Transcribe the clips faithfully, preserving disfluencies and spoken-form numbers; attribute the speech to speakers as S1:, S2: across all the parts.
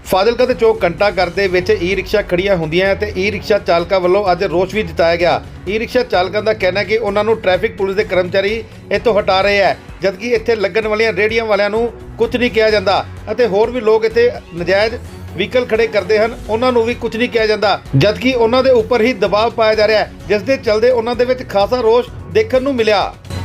S1: ਫਾਜ਼ਿਲਕਾ ਦੇ ਚੌਕ ਘੰਟਾ ਘਰ ਦੇ ਵਿੱਚ ਈ ਰਿਕਸ਼ਾ ਖੜੀਆਂ ਹੁੰਦੀਆਂ ਤੇ ਈ ਰਿਕਸ਼ਾ ਚਾਲਕਾਂ ਵੱਲੋਂ ਅੱਜ ਰੋਸ ਵੀ ਜਤਾਇਆ ਗਿਆ। ਈ ਰਿਕਸ਼ਾ ਚਾਲਕਾਂ ਦਾ ਕਹਿਣਾ ਹੈ ਕਿ ਉਹਨਾਂ ਨੂੰ ਟ੍ਰੈਫਿਕ ਪੁਲਿਸ ਦੇ ਕਰਮਚਾਰੀ ਇੱਥੋਂ ਹਟਾ ਰਹੇ ਹੈ, ਜਦਕਿ ਇੱਥੇ ਲੱਗਣ ਵਾਲੀਆਂ ਰੇਹੜੀਆਂ ਵਾਲਿਆਂ ਨੂੰ ਕੁਝ ਨਹੀਂ ਕਿਹਾ ਜਾਂਦਾ ਅਤੇ ਹੋਰ ਵੀ ਲੋਕ ਇੱਥੇ ਨਜਾਇਜ਼ ਵਹੀਕਲ ਖੜੇ ਕਰਦੇ ਹਨ, ਉਹਨਾਂ ਨੂੰ ਵੀ ਕੁਝ ਨਹੀਂ ਕਿਹਾ ਜਾਂਦਾ, ਜਦਕਿ ਉਹਨਾਂ ਦੇ ਉੱਪਰ ਹੀ ਦਬਾਅ ਪਾਇਆ ਜਾ ਰਿਹਾ ਹੈ, ਜਿਸ ਦੇ ਚਲਦੇ ਉਹਨਾਂ ਦੇ ਵਿੱਚ ਖਾਸਾ ਰੋਸ ਦੇਖਣ ਨੂੰ ਮਿਲਿਆ।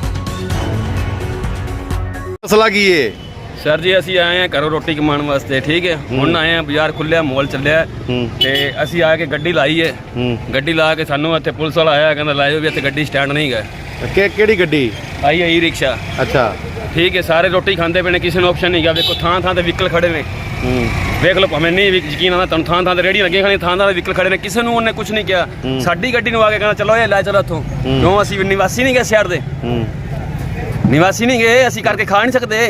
S1: ਮਸਲਾ ਕੀ ਹੈ
S2: सर जी असी आए हैं घरों रोटी कमाने वास्ते, ठीक है। हुण आए हैं बाजार खुलिया मॉल चलिया ते असी आके गड्डी लाई है। गड्डी ला के सानू इत्थे पुलिस वाला आया, कहंदा लाओ भी इत्थे गड्डी स्टैंड नहीं गए।
S1: कि केड़ी गड्डी
S2: आई है ई रिक्शा।
S1: अच्छा
S2: ठीक है, सारे रोटी खाते पे ने, किसी ने ऑप्शन नहीं गया। देखो थां थां ते व्हीकल खड़े ने, देख लो भावें नहीं यकीन आंदा तुहानू, थां थां ते रेहड़ियां लगी खानी, थां थां ते व्हीकल खड़े ने, किसी ने उन्हें कुछ नहीं किया। साडी गड्डी नूं आके कहंदा चलो ये लै चलो इत्थों, क्यों असी निवासी नहीं गए शहर दे, निवासी नहीं गए, असी करके खा नहीं सकते।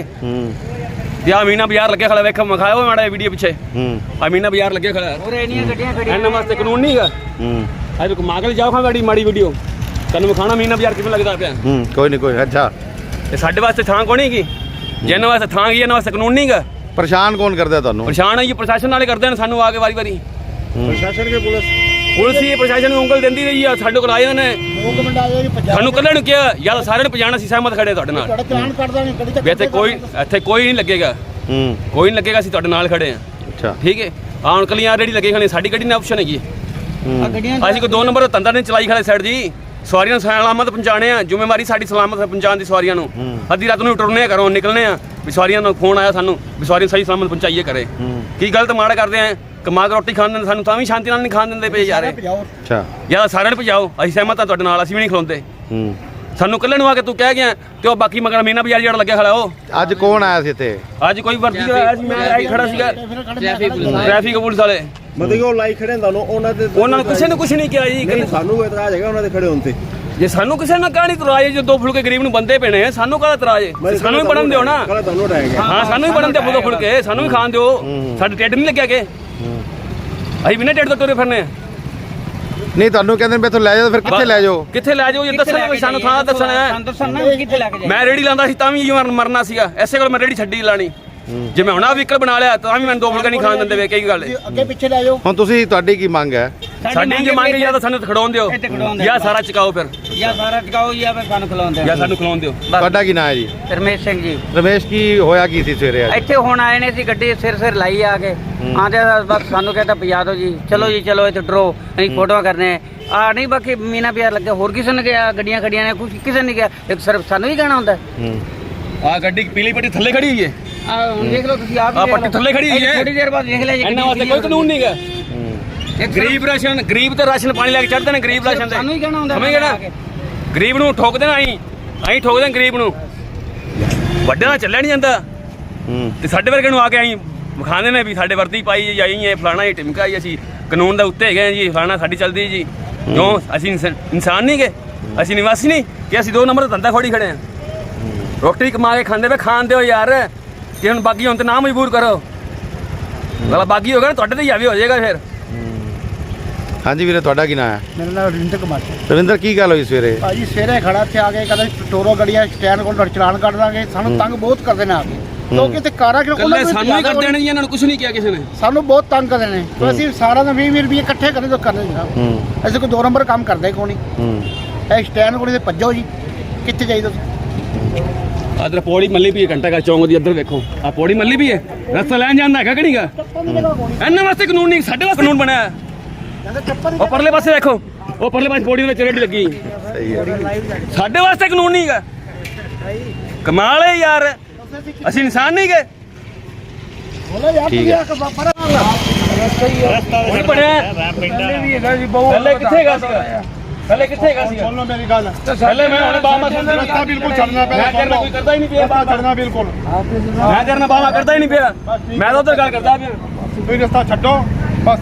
S2: या मीना बाजार लगे खड़ा, वेख मखाओ माड़ा वीडियो पीछे, आ मीना बाजार लगे खड़ा और इन्नियां गड्डियां खड़ियां, इन्हां वास्ते कानून नहीं है। अज मागल जाओ खां माड़ी माड़ी वीडियो तैनूं विखाणा मीना बाजार किवें लगदा पिया।
S1: कोई नहीं कोई अच्छा
S2: ते साडे वास्ते थां कोई नहीं गी, जिन्हां वास्ते थां गी इन्हां वास्ते कानून नहीं गा।
S1: परेशान कौन करदा तुहानूं?
S2: परेशान है प्रशासन वाले करदे ने सानूं आके वारी वारी,
S1: प्रशासन के पुलिस
S2: पुलिस ही प्रशासन ਨੂੰ ਉਂਗਲ ਦਿੰਦੀ ਰਹੀ ਆ। ਸਾਡੇ ਕੋਲ ਆਏ ਨੇ ਸਾਨੂੰ ਕੱਲੇ ਨੂੰ ਕਿਹਾ ਯਾਰ ਸਾਰਿਆਂ ਨੂੰ ਪਛਾਣ, ਅਸੀਂ ਸਹਿਮਤ ਖੜੇ ਤੁਹਾਡੇ ਨਾਲ,
S3: ਤੁਹਾਡਾ ਚਲਾਨ ਕੱਢਦਾ ਨਹੀਂ ਗੱਡੀ,
S2: ਵੀ ਇੱਥੇ ਕੋਈ ਇੱਥੇ ਕੋਈ ਨਹੀਂ ਲੱਗੇਗਾ, ਕੋਈ ਨਹੀਂ ਲੱਗੇਗਾ, ਅਸੀਂ ਤੁਹਾਡੇ ਨਾਲ ਖੜੇ ਆ।
S1: ਅੱਛਾ
S2: ਠੀਕ ਹੈ, ਆਹ ਹੁਣ ਕਲੀਆਂ ਰੇੜੀ ਲੱਗੇ ਖਾਣੇ, ਸਾਡੀ ਗੱਡੀ ਨਾਲ ਆਪਸ਼ਨ ਹੈਗੀ। ਅਸੀਂ ਕੋਈ ਦੋ ਨੰਬਰ ਦਾ ਧੰਦਾ ਨਹੀਂ ਚਲਾਈ ਖੜੇ ਸਾਈਡ ਜੀ, ਸਵਾਰੀਆਂ ਨੂੰ ਸਲਾਮਤ ਪਹੁੰਚਾਣੇ ਆ, ਜ਼ਿੰਮੇਵਾਰੀ ਸਾਡੀ ਸਲਾਮਤ ਪਹੁੰਚਾਉਣ ਦੀ। ਸਵਾਰੀਆਂ ਨੂੰ ਅੱਧੀ ਰਾਤ ਨੂੰ ਟੁਰਨੇ ਘਰੋਂ ਨਿਕਲਣੇ ਆ, ਵੀ ਸਵਾਰੀਆਂ ਨੂੰ ਫੋਨ ਆਇਆ ਸਾਨੂੰ ਵੀ ਸਵਾਰੀਆਂ ਸਹੀ ਸਲਾਮਤ ਪਹੁੰਚਾਈਏ ਕਰੇ। ਕੀ ਗਲਤ ਮਾੜਾ ਕਰਦੇ ਆ, ਕਮਾ ਕੇ ਰੋਟੀ ਖਾਣ ਦਿੰਦੇ ਸਾਨੂੰ, ਤਾਂ ਵੀ ਸ਼ਾਂਤੀ ਨਾਲ ਨਹੀਂ ਖਾਣ ਦਿੰਦੇ ਪਏ ਯਾਰ।
S1: ਅੱਛਾ
S2: ਯਾਰ ਸਾਰਿਆਂ ਨੂੰ ਭਜਾਓ, ਅਸੀਂ ਸਹਿਮਤ ਆ ਤੁਹਾਡੇ ਨਾਲ, ਅਸੀਂ ਵੀ ਨਹੀਂ ਖਲੋਂਦੇ। ਸਾਨੂੰ ਕੱਲੇ ਨੂੰ ਆ ਕੇ ਤੂੰ ਕਹਿ ਗਿਆ ਤੇ ਉਹ ਬਾਕੀ ਮਗਰ ਮੀਨਾ ਬਾਜ਼ਾਰ ਜਿਹੜਾ ਲੱਗਿਆ ਖੜਾ। ਉਹ
S1: ਅੱਜ ਕੌਣ ਆਇਆ ਸੀ ਇੱਥੇ?
S2: ਅੱਜ ਕੋਈ ਵਰਦੀ ਆਇਆ ਸੀ, ਮੈਂ ਆਈ ਖੜਾ ਸੀਗਾ, ਟ੍ਰੈਫਿਕ ਪੁਲਿਸ ਵਾਲੇ
S3: ਮਤਲਬ ਉਹ ਲਾਈ ਖੜੇ ਹੁੰਦਾ ਉਹਨਾਂ ਦੇ,
S2: ਉਹਨਾਂ ਨੂੰ ਕਿਸੇ ਨੇ ਕੁਝ ਨਹੀਂ ਕਿਹਾ ਜੀ।
S3: ਸਾਨੂੰ ਇਤਰਾਜ਼ ਹੈਗਾ ਉਹਨਾਂ ਦੇ ਖੜੇ ਹੋਣ ਤੇ।
S2: ਜੇ ਸਾਨੂੰ ਕਿਸੇ ਨਾਲ ਕਹਾਣੀ ਤਰਾਜ, ਜੋ ਦੋ ਫੁਲਕੇ ਗਰੀਬ ਨੂੰ ਬੰਦੇ ਪੈਣੇ, ਸਾਨੂੰ ਕਾਹਦਾ ਤਰਾਜ? ਸਾਨੂੰ ਵੀ ਬਣਨ ਦਿਓ ਨਾ। ਹਾਂ ਸਾਨੂੰ ਵੀ ਬਣਨ ਦਿਓ ਦੋ ਫੁਲਕੇ, ਸਾਨੂੰ ਵੀ ਖਾਣ ਦਿਓ, ਸਾਡੇ ਢਿੱਡ ਨਹੀਂ ਲੱਗਿਆ ਕਿ ਅਸੀਂ ਬਿਨਾਂ ਢਿੱਡ ਤੋਂ ਤੁਰੇ ਫਿਰਨੇ ਆ।
S1: ਨਹੀਂ ਤੁਹਾਨੂੰ ਕਹਿੰਦੇ ਮੈਂ ਇੱਥੋਂ ਲੈ ਜਾਓ, ਫਿਰ ਕਿੱਥੇ ਲੈ ਜਾਓ?
S2: ਕਿੱਥੇ ਲੈ ਜਾਓ? ਇਹ ਦੱਸਣਾ, ਸਾਨੂੰ ਥਾਂ ਦੱਸਣਾ। ਮੈਂ ਰੇੜੀ ਲਾਂਦਾ ਸੀ ਤਾਂ ਵੀ ਮਰਨਾ ਸੀਗਾ, ਐਸੇ ਕੋਲ ਮੈਂ ਰੇੜੀ ਛੱਡੀ ਲਾਣੀ। ਜੇ ਮੈਂ ਹੁਣ ਆ ਵਹੀਕਲ ਬਣਾ ਲਿਆ ਤਾਂ ਵੀ ਮੈਨੂੰ ਦੋ ਫੁਲਕਾ ਨਹੀਂ ਖਾਣ ਦਿੰਦੇ ਵੇ। ਕੀ ਗੱਲ ਹੈ?
S3: ਅੱਗੇ ਪਿੱਛੇ ਲੈ ਜਾਓ।
S1: ਹੁਣ ਤੁਸੀਂ ਤੁਹਾਡੀ ਕੀ ਮੰਗ ਹੈ?
S2: ਸਾਡੀ ਜੇ ਮੰਗ ਜਾਂ ਤਾਂ ਸਾਨੂੰ ਖੜਾਉਣ ਦਿਓ, ਜਾਂ ਸਾਰਾ ਚਕਾਓ, ਫਿਰ
S4: ਜਾਂ ਸਾਰਾ ਚਕਾਓ ਜਾਂ ਫਿਰ ਸਾਨੂੰ ਖਲਾਉਣ ਦਿਓ,
S2: ਜਾਂ ਸਾਨੂੰ ਖਲਾਉਣ ਦਿਓ।
S1: ਤੁਹਾਡਾ ਕੀ ਨਾਂ ਹੈ ਜੀ?
S4: ਰਮੇਸ਼ ਸਿੰਘ ਜੀ।
S1: ਰਮੇਸ਼ ਕੀ ਹੋਇਆ ਕੀ ਸੀ ਸਵੇਰੇ ਅੱਜ?
S4: ਇੱਥੇ ਹੁਣ ਆਏ ਨੇ ਸੀ, ਗੱਡੀ ਸਿਰ ਸਿਰ ਲਾਈ ਆ ਕੇ ਆਂਦੇ ਬਸ ਸਾਨੂੰ ਕਹਿੰਦਾ ਪਜਾ ਦਿਓ ਜੀ, ਚਲੋ ਜੀ ਚਲੋ ਇੱਥੇ ਡਰੋ, ਅਸੀਂ ਫੋਟੋਆਂ ਕਰਨੇ ਆ। ਨਹੀਂ ਬਾਕੀ ਮੀਨਾ ਬਾਜ਼ਾਰ ਲੱਗਾ, ਹੋਰ ਕਿਸੇ ਨੇ ਗਿਆ, ਗੱਡੀਆਂ ਖੜੀਆਂ ਨੇ, ਕੁਝ ਕਿਸੇ ਨੇ ਗਿਆ, ਇੱਕ ਸਿਰਫ ਸਾਨੂੰ ਹੀ ਕਹਿਣਾ ਹੁੰਦਾ।
S2: ਆ ਗੱਡੀ ਪੀਲੀ ਪੱਟੀ ਥੱਲੇ ਖੜੀ ਹੋਈ ਹੈ,
S4: ਆ ਹੁਣ ਦੇਖ ਲਓ ਤੁਸੀਂ ਆਪ,
S2: ਆ ਪੱਟੀ ਥੱਲੇ ਖੜੀ ਹੋਈ ਹੈ,
S4: ਥੋੜੀ ਦੇਰ ਬਾਅਦ ਦੇਖ ਲਿਆ ਜੀ।
S2: ਇਹਨਾਂ ਵਾਸਤੇ ਕੋਈ ਕਾਨੂੰਨ ਨਹੀਂ ਹੈਗਾ। ਗਰੀਬ ਰਾਸ਼ਨ, ਗਰੀਬ ਤੇ ਰਾਸ਼ਨ ਪਾਣੀ ਲੈ ਕੇ ਚੜਦੇ ਨੇ, ਗਰੀਬ ਰਾਸ਼ਨ ਤੇ
S4: ਸਾਨੂੰ ਹੀ ਕਹਿਣਾ ਹੁੰਦਾ।
S2: ਸਮਝ ਗਏ ਨਾ? ਗਰੀਬ ਨੂੰ ਠੋਕ ਦੇਣਾ, ਅਸੀਂ ਅਸੀਂ ਠੋਕ ਦੇਣਾ ਗਰੀਬ ਨੂੰ, ਵੱਡੇ ਨਾਲ ਚੱਲਿਆ ਨਹੀਂ ਜਾਂਦਾ। ਤੇ ਸਾਡੇ ਵਰਗੇ ਨੂੰ ਆ ਕੇ ਅਸੀਂ ਵਿਖਾਉਂਦੇ ਨੇ ਵੀ ਸਾਡੇ ਵਰਦੀ ਪਾਈ ਜਾਈ ਹੈ, ਫਲਾਣਾ ਹੀ ਟਿਮਕਾ ਹੀ, ਅਸੀਂ ਕਾਨੂੰਨ ਦੇ ਉੱਤੇ ਹੈਗੇ ਜੀ, ਫਲਾਣਾ ਸਾਡੀ ਚੱਲਦੀ ਜੀ। ਕਿਉਂ ਅਸੀਂ ਇਨਸਾਨ ਨਹੀਂ ਗਏ? ਅਸੀਂ ਨਿਵਾਸੀ ਨਹੀਂ ਕਿ ਅਸੀਂ ਦੋ ਨੰਬਰ ਦਾ ਧੰਦਾ ਖੋੜੀ ਖੜੇ ਹਾਂ? ਰੋਟੀ ਕਮਾ ਕੇ ਖਾਂਦੇ ਵੇ, ਖਾਣ ਦਿਓ ਯਾਰ। ਕਿ ਹੁਣ ਬਾਗੀ ਹੁਣ ਤੇ ਨਾ ਮਜਬੂਰ ਕਰੋ, ਗਲਾ ਬਾਗੀ ਹੋ ਗਿਆ ਨਾ ਤੁਹਾਡੇ ਤੇ ਹਾਵੀ ਹੋ ਜਾਏਗਾ ਫਿਰ।
S1: ਹਾਂਜੀ ਵੀਰੇ ਤੁਹਾਡਾ ਕੀ ਨਾਂ ਹੈ?
S3: ਮੇਰਾ ਨਾਮ ਰਵਿੰਦਰ ਕੁਮਾਰ ਹੈ।
S1: ਰਵਿੰਦਰ ਕੀ ਗੱਲ ਹੋਈ ਸਵੇਰੇ?
S3: ਭਾਜੀ ਸਵੇਰੇ ਖੜਾ ਇੱਥੇ ਆ ਕੇ ਕਹਿੰਦਾ ਟੋਰੋ ਗੱਡੀਆਂ ਸਟੈਂਡ ਕੋਲ ਚਲਾਨ ਕੱਢ ਦਾਂਗੇ, ਸਾਨੂੰ ਤੰਗ ਬਹੁਤ ਕਰਦੇ ਨੇ ਆ ਕੇ ਲੋਕ। ਇੱਥੇ ਕਾਰਾਂ ਕਿਉਂ
S2: ਕੱਲੇ ਸਾਨੂੰ ਹੀ ਕਰਦੇ ਨੇ ਜੀ, ਇਹਨਾਂ ਨੂੰ ਕੁਝ ਨਹੀਂ ਕਿਹਾ ਕਿਸੇ ਨੇ।
S3: ਸਾਨੂੰ ਬਹੁਤ ਤੰਗ ਕਰਦੇ ਨੇ, ਤੇ ਅਸੀਂ ਸਾਰਾ ਦਿਨ ਵੀਹ ਵੀਹ ਰੁਪਏ ਇਕੱਠੇ ਕਰਦੇ ਤੋਂ ਕਰਦੇ ਜੀ। ਅਸੀਂ ਕੋਈ ਦੋ ਨੰਬਰ ਕੰਮ ਕਰਦੇ ਕੋਈ ਨਹੀਂ। ਇਹ ਸਟੈਂਡ ਕੋਲ ਤੇ ਭੱਜੋ ਜੀ, ਕਿੱਥੇ ਜਾਈਦਾ?
S2: ਅਦਰ ਪੌੜੀ ਮੱਲੀ ਵੀ ਹੈ, ਘੰਟਾ ਘਰ ਚੌਂਕ ਦੀ ਇੱਧਰ ਵੇਖੋ, ਆ ਪੌੜੀ ਮੱਲੀ ਵੀ ਹੈ, ਰਸਤਾ ਲੈਣ ਜਾਂਦਾ ਹੈਗਾ ਕਿ ਨਹੀਂਗਾ? ਇਹਨਾਂ ਵਾਸਤੇ ਕਾਨੂੰਨ ਨਹੀਂ, ਸਾਡੇ ਵਾਸਤੇ ਕਾਨੂੰਨ ਬਣਿਆ। ਉਹ ਪਰਲੇ ਪਾਸੇ ਦੇਖੋ, ਉਹ ਪਰਲੇ ਪਾਸੇ ਪੌੜੀ ਵਿੱਚ ਰੇੜੀ ਲੱਗੀ,
S1: ਸਹੀ ਹੈ।
S2: ਸਾਡੇ ਵਾਸਤੇ ਕਾਨੂੰਨ ਨਹੀਂ ਹੈਗਾ। ਕਮਾਲ ਹੈ ਯਾਰ, ਅਸੀਂ ਇਨਸਾਨ ਨਹੀਂ ਗਏ?
S1: ਠੀਕ ਹੈ।
S2: ਨਹੀਂ ਬਣਿਆ ਪਹਿਲੇ ਕਿੱਥੇ ਹੈਗਾ ਸੀਗਾ? ਪਹਿਲੇ ਕਿੱਥੇ ਹੈਗਾ ਸੀਗਾ?
S3: ਬੋਲੋ ਮੇਰੀ ਗੱਲ।
S2: ਪਹਿਲੇ ਮੈਂ ਹੁਣ ਬਾਹਾਂ
S3: ਰਸਤਾ ਬਿਲਕੁਲ ਛੱਡਣਾ ਪਿਆ,
S2: ਮੈਂ ਕਰਨਾ ਕੋਈ ਕਰਦਾ ਹੀ ਨਹੀਂ ਪਿਆ,
S3: ਰਸਤਾ ਛੱਡਣਾ ਬਿਲਕੁਲ।
S2: ਮੈਂ ਕਰਨਾ ਬਾਹਾਂ ਕਰਦਾ ਹੀ ਨਹੀਂ ਪਿਆ, ਮੈਂ ਤਾਂ ਉਧਰ ਗੱਲ ਕਰਦਾ ਪਿਆ।
S3: ਕੋਈ ਰਸਤਾ ਛੱਡੋ ਬਸ।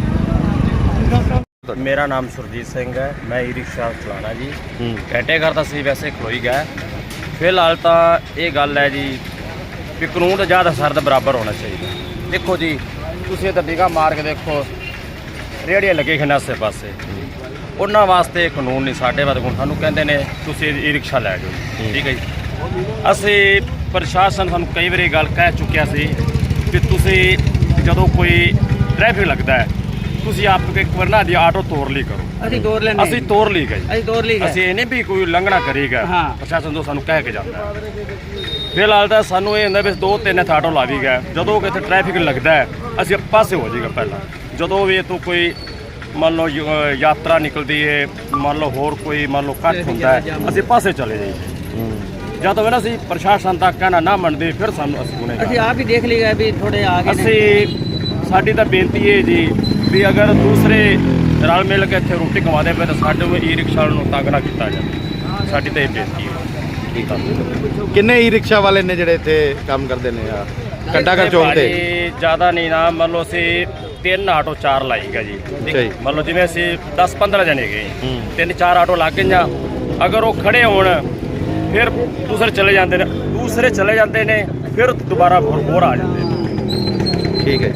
S5: ਮੇਰਾ ਨਾਮ ਸੁਰਜੀਤ ਸਿੰਘ ਹੈ, ਮੈਂ ਈ ਰਿਕਸ਼ਾ ਚਲਾਉਣਾ ਜੀ। ਘੰਟੇ ਘਰ ਤਾਂ ਸੀ ਵੈਸੇ ਖਲੋਈ ਗਿਆ। ਫਿਲਹਾਲ ਤਾਂ ਇਹ ਗੱਲ ਹੈ ਜੀ ਵੀ ਕਾਨੂੰਨ ਦਾ ਜ਼ਿਆਦਾ ਸਰਦ ਬਰਾਬਰ ਹੋਣਾ ਚਾਹੀਦਾ। ਦੇਖੋ ਜੀ ਤੁਸੀਂ ਤਾਂ ਨਿਗਾਹ ਮਾਰ ਕੇ ਦੇਖੋ, ਰੇਹੜੀਆਂ ਲੱਗੇ ਖੰਨਾ ਆਸੇ ਪਾਸੇ, ਉਹਨਾਂ ਵਾਸਤੇ ਕਾਨੂੰਨ ਨਹੀਂ, ਸਾਡੇ ਵਾਸਤੇ ਹੁਣ ਸਾਨੂੰ ਕਹਿੰਦੇ ਨੇ ਤੁਸੀਂ ਈ ਰਿਕਸ਼ਾ ਲੈ ਜਾਓ। ਠੀਕ ਹੈ ਜੀ, ਅਸੀਂ ਪ੍ਰਸ਼ਾਸਨ ਸਾਨੂੰ ਕਈ ਵਾਰੀ ਗੱਲ ਕਹਿ ਚੁੱਕਿਆ ਸੀ ਕਿ ਤੁਸੀਂ ਜਦੋਂ ਕੋਈ ਟ੍ਰੈਫਿਕ ਲੱਗਦਾ ਹੈ ਤੁਸੀਂ ਆਪ ਇੱਕ ਵਾਰ ਨਾ ਦੀ ਆਟੋ ਤੋੜ ਲਈ ਕਰੋ।
S4: ਅਸੀਂ ਤੋਰ ਲੈਂਦੇ
S5: ਅਸੀਂ ਤੋੜ ਲਈ ਗਏ
S4: ਅਸੀਂ ਤੋਰ ਲਈ ਗਏ।
S5: ਅਸੀਂ ਇਹ ਨਹੀਂ ਵੀ ਕੋਈ ਲੰਘਣਾ ਕਰੇਗਾ
S4: ਹਾਂ।
S5: ਪ੍ਰਸ਼ਾਸਨ ਤੋਂ ਸਾਨੂੰ ਕਹਿ ਕੇ ਜਾਂਦਾ ਹੈ। ਫਿਲਹਾਲ ਤਾਂ ਸਾਨੂੰ ਇਹ ਹੁੰਦਾ ਵੀ ਦੋ ਤਿੰਨ ਆਟੋ ਲਾ ਵੀ ਗਏ ਜਦੋਂ ਕਿਤੇ ਟ੍ਰੈਫਿਕ ਲੱਗਦਾ ਹੈ ਅਸੀਂ ਪਾਸੇ ਹੋ ਜਾਈਗਾ ਪਹਿਲਾਂ ਜਦੋਂ ਵੀ ਤੋਂ ਕੋਈ ਮੰਨ ਲਓ ਯ- ਯਾਤਰਾ ਨਿਕਲਦੀ ਹੈ ਮੰਨ ਲਓ ਹੋਰ ਕੋਈ ਮੰਨ ਲਓ ਇਕੱਠ ਹੁੰਦਾ ਹੈ ਅਸੀਂ ਪਾਸੇ ਚਲੇ ਜਾਈਏ ਜਦੋਂ ਵੀ ਨਾ ਅਸੀਂ ਪ੍ਰਸ਼ਾਸਨ ਤੱਕ ਕਹਿਣਾ ਨਾ ਮੰਨਦੇ ਫਿਰ ਸਾਨੂੰ ਅਸੀਂ
S4: ਅਸੀਂ
S5: ਗੁਨੇਗਾਰ
S4: ਆਪ ਹੀ ਦੇਖ ਲਈਗਾ ਵੀ ਥੋੜੇ ਆ ਗਏ ਨੇ।
S5: ਅਸੀਂ ਸਾਡੀ ਤਾਂ ਬੇਨਤੀ ਹੈ ਜੀ ਵੀ ਅਗਰ ਦੂਸਰੇ ਰਲ ਮਿਲ ਕੇ ਇੱਥੇ ਰੋਟੀ ਕਮਾਉਂਦੇ ਪਏ ਤਾਂ ਸਾਡੇ ਨੂੰ ਈ ਰਿਕਸ਼ਾ ਨੂੰ ਤੰਗ ਨਾ ਕੀਤਾ ਜਾਵੇ ਸਾਡੀ ਤਾਂ ਇਹ ਬੇਨਤੀ ਹੈ। ਠੀਕ ਆ
S1: ਕਿੰਨੇ ਈ ਰਿਕਸ਼ਾ ਵਾਲੇ ਨੇ ਜਿਹੜੇ ਇੱਥੇ ਕੰਮ ਕਰਦੇ ਨੇ ਆ ਘੰਟਾਘਰ ਚੌਕ ਤੇ?
S5: ਜ਼ਿਆਦਾ ਨਹੀਂ ਨਾ ਮੰਨ ਲਓ ਅਸੀਂ ਤਿੰਨ ਆਟੋ ਚਾਰ ਲਾਈਗਾ ਜੀ
S1: ਅੱਛਾ ਜੀ।
S5: ਮੰਨ ਲਓ ਜਿਵੇਂ ਅਸੀਂ ਦਸ ਪੰਦਰਾਂ ਜਣੇ ਗਏ
S1: ਹੂੰ।
S5: ਤਿੰਨ ਚਾਰ ਆਟੋ ਲੱਗ ਗਈਆਂ ਅਗਰ ਉਹ ਖੜੇ ਹੋਣ ਫਿਰ ਦੂਸਰੇ ਚਲੇ ਜਾਂਦੇ ਨੇ ਦੂਸਰੇ ਚਲੇ ਜਾਂਦੇ ਨੇ ਫਿਰ ਦੁਬਾਰਾ ਹੋਰ ਹੋਰ ਆ ਜਾਂਦੇ ਨੇ।
S1: ਠੀਕ ਹੈ।